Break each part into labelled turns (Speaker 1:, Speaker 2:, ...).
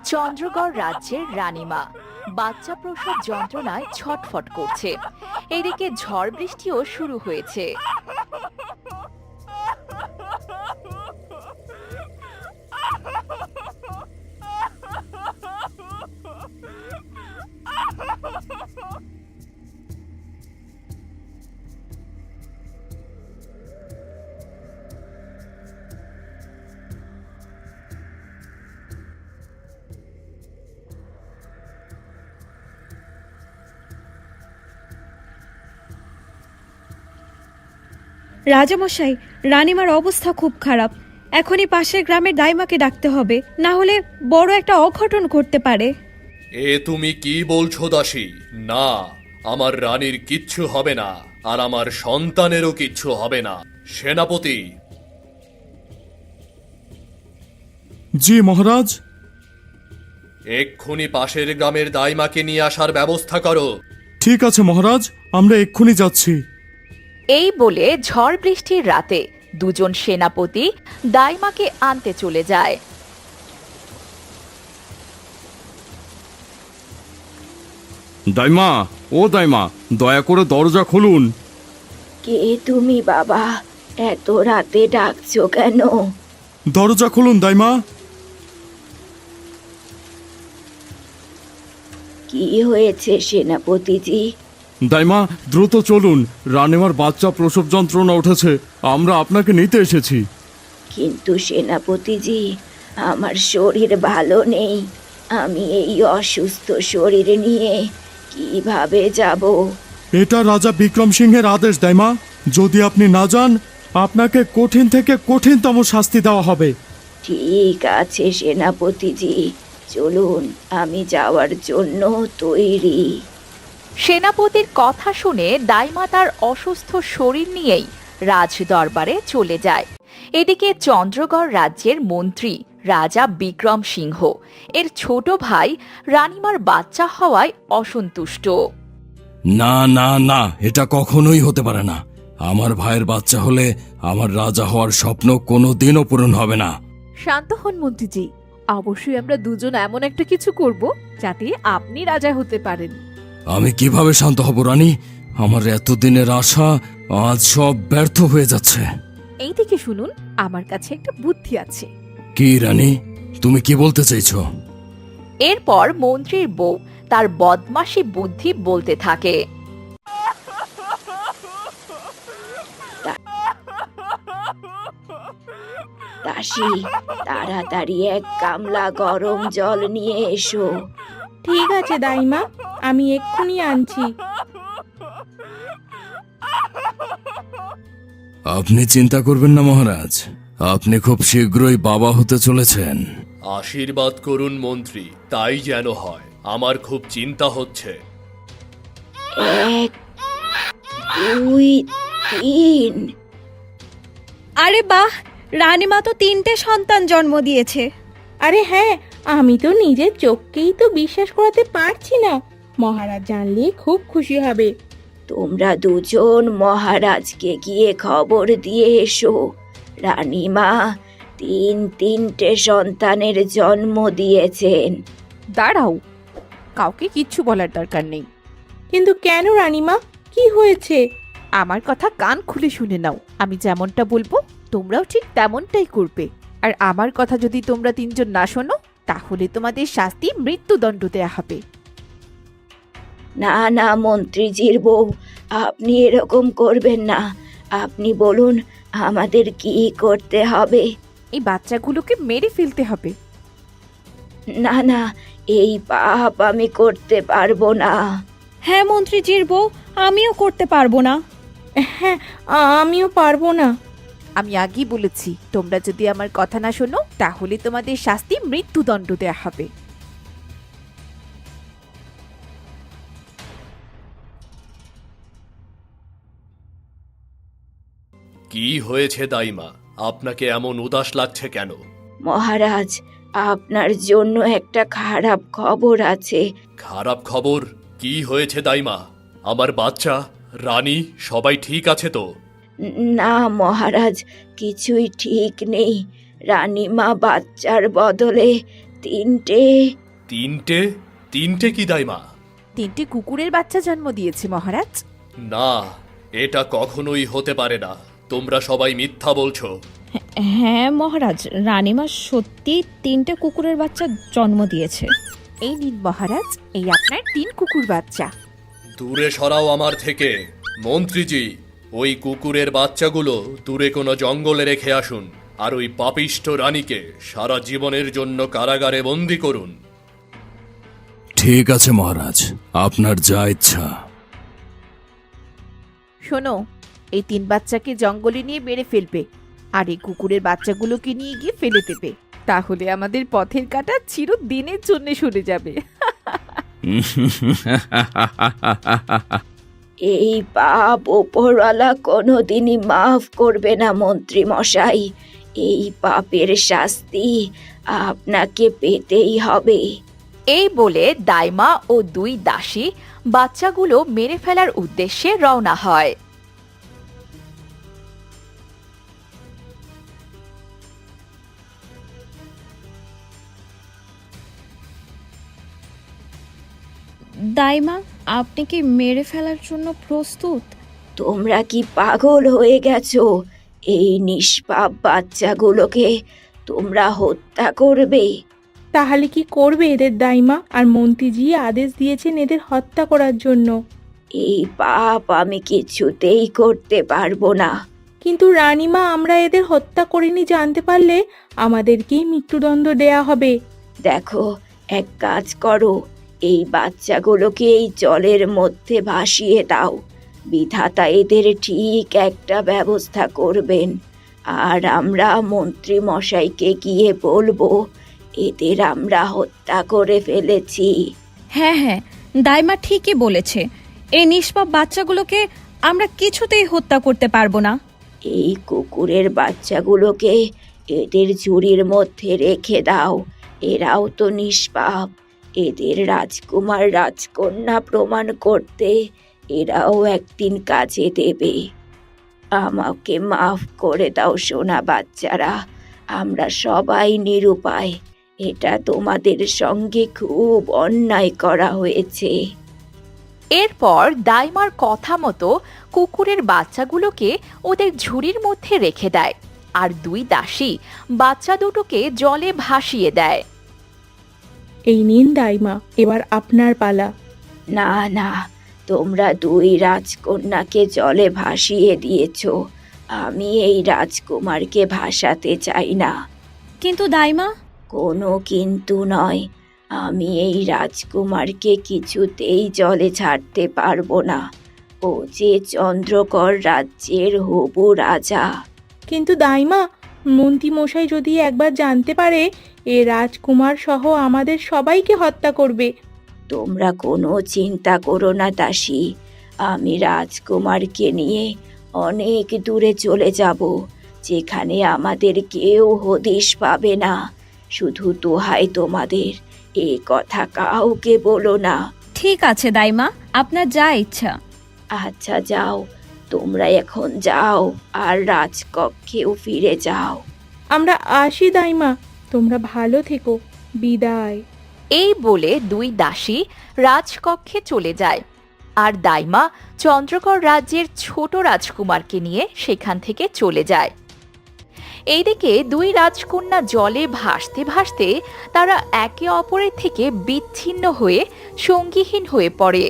Speaker 1: চন্দ্রগড় রাজ্যের রানীমা বাচ্চা প্রসব যন্ত্রণায় ছটফট করছে। এদিকে ঝড় বৃষ্টিও শুরু হয়েছে।
Speaker 2: রাজামশাই, রানীমার অবস্থা খুব খারাপ। এখনই পাশের গ্রামের দাইমাকে ডাকতে হবে, না হলে বড় একটা অঘটন ঘটতে পারে।
Speaker 3: এ তুমি কি বলছো দাসী? না, আমার রানীর কিচ্ছু হবে না, আর আমার সন্তানেরও কিচ্ছু হবে না। সেনাপতি।
Speaker 4: জি মহারাজ।
Speaker 3: এক্ষুনি পাশের গ্রামের দাইমাকে নিয়ে আসার ব্যবস্থা করো।
Speaker 4: ঠিক আছে মহারাজ, আমরা এক্ষুনি যাচ্ছি।
Speaker 1: এই বলে ঝড় বৃষ্টির রাতে দুজন সেনাপতি দাইমাকে আনতে চলে যায়।
Speaker 4: দাইমা, ও দাইমা, দয়া করে দরজা খুলুন।
Speaker 5: কে তুমি বাবা? এত রাতে ডাকছো কেন?
Speaker 4: দরজা খুলুন দাইমা।
Speaker 5: কি হয়েছে সেনাপতিজি?
Speaker 4: দাইমা, দ্রুত চলুন, রানীমার বাচ্চা প্রসব যন্ত্রণা উঠেছে, আমরা আপনাকে নিতে এসেছি।
Speaker 5: কিন্তু সেনাপতিজি, আমার শরীর ভালো নেই। আমি এই অসুস্থ শরীর নিয়ে কিভাবে যাব?
Speaker 4: এটা রাজা বিক্রম সিংহের আদেশ দাইমা। যদি আপনি না যান, আপনাকে কঠিন থেকে কঠিনতম শাস্তি দেওয়া হবে।
Speaker 5: ঠিক আছে সেনাপতিজি, চলুন, আমি যাওয়ার জন্য তৈরি।
Speaker 1: সেনাপতির কথা শুনে দাইমা তার অসুস্থ শরীর নিয়েই রাজ দরবারে চলে যায়। এদিকে চন্দ্রগড় রাজ্যের মন্ত্রী রাজা বিক্রম সিংহ এর ছোট ভাই রানীমার বাচ্চা হওয়ায় অসন্তুষ্ট।
Speaker 6: না না না, এটা কখনোই হতে পারে না। আমার ভাইয়ের বাচ্চা হলে আমার রাজা হওয়ার স্বপ্ন কোনো দিনও পূরণ হবে না।
Speaker 7: শান্ত হন মন্ত্রীজি, অবশ্যই আমরা দুজন এমন একটা কিছু করব যাতে আপনি রাজা হতে পারেন।
Speaker 6: আমি কিভাবে শান্ত হব রানী? আমার এতদিনের আশা আজ সব ব্যর্থ হয়ে যাচ্ছে।
Speaker 7: এই দিকে শুনুন, আমার কাছে একটা বুদ্ধি আছে।
Speaker 6: কি রানী, তুমি কি বলতে চাইছো?
Speaker 1: এরপর মন্ত্রীর বউ তার বদমাশি বুদ্ধি বলতে থাকে।
Speaker 5: দাসী, তাড়াতাড়ি এক গামলা গরম জল নিয়ে এসো।
Speaker 8: ঠিক আছে দাইমা, আমি এক্ষুনি আনছি।
Speaker 6: আপনি চিন্তা করবেন না মহারাজ, আপনি খুব শীঘ্রই বাবা হতে চলেছেন।
Speaker 3: আশীর্বাদ করুন মন্ত্রী, তাই যেন হয়। আমার খুব চিন্তা হচ্ছে।
Speaker 5: 1, 2, 3।
Speaker 2: আরে বাহ, রানীমা তো 3টে সন্তান জন্ম দিয়েছে।
Speaker 8: আরে হ্যাঁ, আমি তো নিজের চোখকেই তো বিশ্বাস করাতে পারছি না। মহারাজ জানলে খুব খুশি হবে।
Speaker 5: তোমরা দুজন মহারাজকে গিয়ে খবর দিয়ে এসো, রানীমা 3টে সন্তানের জন্ম দিয়েছেন।
Speaker 7: দাঁড়াও, কাউকে কিচ্ছু বলার দরকার নেই।
Speaker 8: কিন্তু কেন রানীমা, কি হয়েছে?
Speaker 7: আমার কথা কান খুলে শুনে নাও। আমি যেমনটা বলবো তোমরাও ঠিক তেমনটাই করবে। আর আমার কথা যদি তোমরা তিনজন না শোনো, তাহলে তোমাদের শাস্তি মৃত্যুদণ্ড দেয়া হবে।
Speaker 5: না না মন্ত্রীজির বউ, আপনি এরকম করবেন না। আপনি বলুন আমাদের কি করতে হবে?
Speaker 7: এই বাচ্চাগুলোকে মেরে ফেলতে হবে।
Speaker 5: না না, এই পাপ আমি করতে পারবো না।
Speaker 2: হ্যাঁ মন্ত্রীজির বউ, আমিও করতে পারবো না।
Speaker 8: হ্যাঁ, আমিও পারবো না।
Speaker 7: আমি আগেই বলেছি, তোমরা যদি আমার কথা না শোনো, তাহলে তোমাদের শাস্তি মৃত্যুদণ্ড দেয়া হবে।
Speaker 3: কি হয়েছে দাইমা? আপনাকে এমন উদাস লাগছে কেন?
Speaker 5: মহারাজ, আপনার জন্য একটা খারাপ খবর আছে।
Speaker 3: খারাপ খবর? কি হয়েছে দাইমা? আমার বাচ্চা, রানী সবাই ঠিক আছে তো?
Speaker 5: না মহারাজ, কিছুই ঠিক নেই। রানীমা বাচ্চার বদলে তিনটে।
Speaker 3: তিনটে? তিনটে কি দাইমা?
Speaker 7: 3টে কুকুরের বাচ্চা জন্ম দিয়েছে মহারাজ।
Speaker 3: না, এটা কখনোই হতে পারে না। তোমরা সবাই মিথ্যা বলছো।
Speaker 2: হ্যাঁ মহারাজ, রানীমা সত্যি 3টে কুকুরের বাচ্চা জন্ম দিয়েছে।
Speaker 7: এই নিন মহারাজ, এই আপনার 3 কুকুর বাচ্চা।
Speaker 3: দূরে সরাও আমার থেকে। মন্ত্রীজি, ওই কুকুরের বাচ্চাগুলো দূরে কোনো জঙ্গলে রেখে আসুন, আর ওই পাপিষ্ঠ রানীকে সারা জীবনের জন্য কারাগারে বন্দি করুন।
Speaker 6: ঠিক আছে মহারাজ, আপনার যা ইচ্ছা।
Speaker 7: শোনো, এই 3 বাচ্চাকে জঙ্গলে নিয়ে মেরে ফেলবে, আর এই কুকুরের বাচ্চাগুলোকে নিয়ে গিয়ে ফেলে দেবে। তাহলে আমাদের পথের কাঁটা চিরদিনের জন্য সরে যাবে।
Speaker 5: এই পাপ ওপরওয়ালা কোনোদিনই মাফ করবে না মন্ত্রী মশাই। এই পাপের শাস্তি আপনাকে পেতেই হবে।
Speaker 1: এই বলে দাইমা ও 2 দাসী বাচ্চাগুলো মেরে ফেলার উদ্দেশ্যে রওনা হয়।
Speaker 2: দাইমা, আপনি কি মেরে ফেলার জন্য প্রস্তুত?
Speaker 5: তোমরা কি পাগল হয়ে গেছো? এই নিষ্পাপ বাচ্চাগুলোকে তোমরা হত্যা করবে?
Speaker 8: তাহলে কি করবে এদের দাইমা? আর মন্ত্রীজি আদেশ দিয়েছেন এদের হত্যা করার জন্য।
Speaker 5: এই পাপ আমি কিছুতেই করতে পারবো না।
Speaker 8: কিন্তু রানীমা, আমরা এদের হত্যা করিনি জানতে পারলে আমাদেরকেই মৃত্যুদণ্ড দেয়া হবে।
Speaker 5: দেখো, এক কাজ করো, এই বাচ্চাগুলোকে এই জলের মধ্যে ভাসিয়ে দাও। বিধাতা এদের ঠিক একটা ব্যবস্থা করবেন, আর আমরা মন্ত্রী মশাইকে গিয়ে বলবো এদের আমরা হত্যা করে ফেলেছি।
Speaker 2: হ্যাঁ হ্যাঁ, দাইমা ঠিকই বলেছে। এই নিষ্পাপ বাচ্চাগুলোকে আমরা কিছুতেই হত্যা করতে পারবো না।
Speaker 5: এই কুকুরের বাচ্চাগুলোকে এদের ঝুড়ির মধ্যে রেখে দাও। এরাও তো নিষ্পাপ। এদের রাজকুমার রাজকন্যা প্রমাণ করতে এরাও একদিন কাজে দেবে। আমাকে মাফ করে দাও সোনা বাচ্চারা, আমরা সবাই নিরুপায়। এটা তোমাদের সঙ্গে খুব অন্যায় করা হয়েছে।
Speaker 1: এরপর দাইমার কথা মতো কুকুরের বাচ্চাগুলোকে ওদের ঝুড়ির মধ্যে রেখে দেয়, আর 2 দাসী বাচ্চা দুটোকে জলে ভাসিয়ে দেয়।
Speaker 8: এই নিন দাইমা, এবার আপনার পালা।
Speaker 5: না না, তোমরা 2 রাজকন্যাকে জলে ভাসিয়ে দিয়েছো। আমি এই রাজকুমারকে ভাসাতে চাই না।
Speaker 2: কিন্তু দাইমা,
Speaker 5: কোনো কিন্তু নয়। আমি এই রাজকুমারকে কিছুতেই জলে ছাড়তে পারবো না। ও যে চন্দ্রকর রাজ্যের হবু রাজা।
Speaker 8: কিন্তু দাইমা, মন্ত্রী মশাই যদি একবার জানতে পারে এ রাজকুমার সহ আমাদের সবাইকে হত্যা করবে।
Speaker 5: তোমরা কোনো চিন্তা করো না দাসী, আমি রাজকুমারকে নিয়ে অনেক দূরে চলে যাব, যেখানে আমাদের কেউ হদিশ পাবে না। শুধু দোহাই তোমাদের, এ কথা কাউকে বলো না।
Speaker 2: ঠিক আছে দাইমা, আপনার যা ইচ্ছা।
Speaker 5: আচ্ছা যাও, তোমরা এখন যাও আর রাজকক্ষেও ফিরে যাও।
Speaker 8: আমরা আসি দাইমা, তোমরা ভালো থেকো। বিদায়।
Speaker 1: এই বলে 2 দাসী রাজকক্ষে চলে যায়, আর দাইমা চন্দ্রকর রাজ্যের ছোট রাজকুমারকে নিয়ে সেখান থেকে চলে যায়। এইদিকে 2 রাজকন্যা জলে ভাসতে ভাসতে তারা একে অপরের থেকে বিচ্ছিন্ন হয়ে সঙ্গীহীন হয়ে পড়ে।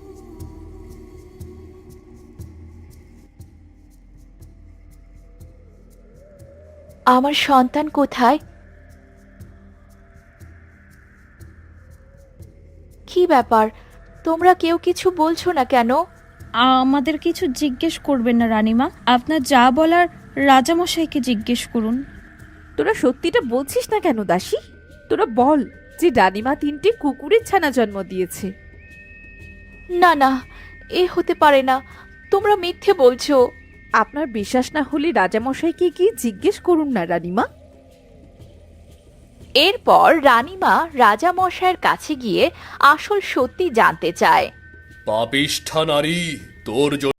Speaker 1: আমার সন্তান কোথায়? কি ব্যাপার, তোমরা কেউ কিছু বলছো না কেন?
Speaker 2: আমাদের কিছু জিজ্ঞেস করবেন না রানীমা, আপনার যা বলার রাজামশাইকে জিজ্ঞেস করুন।
Speaker 7: তোরা সত্যিটা বলছিস না কেন দাসী? তোরা বল যে রানীমা 3টে কুকুরের ছানা জন্ম দিয়েছে।
Speaker 1: না না, এ হতে পারে না, তোমরা মিথ্যে বলছো।
Speaker 7: আপনার বিশ্বাস না হলে রাজামশাইকে গিয়ে জিজ্ঞেস করুন না রানীমা।
Speaker 1: এরপর রানীমা রাজামশাইয়ের কাছে গিয়ে আসল সত্যি জানতে চায়।
Speaker 3: পাপিষ্ঠা নারী, তোর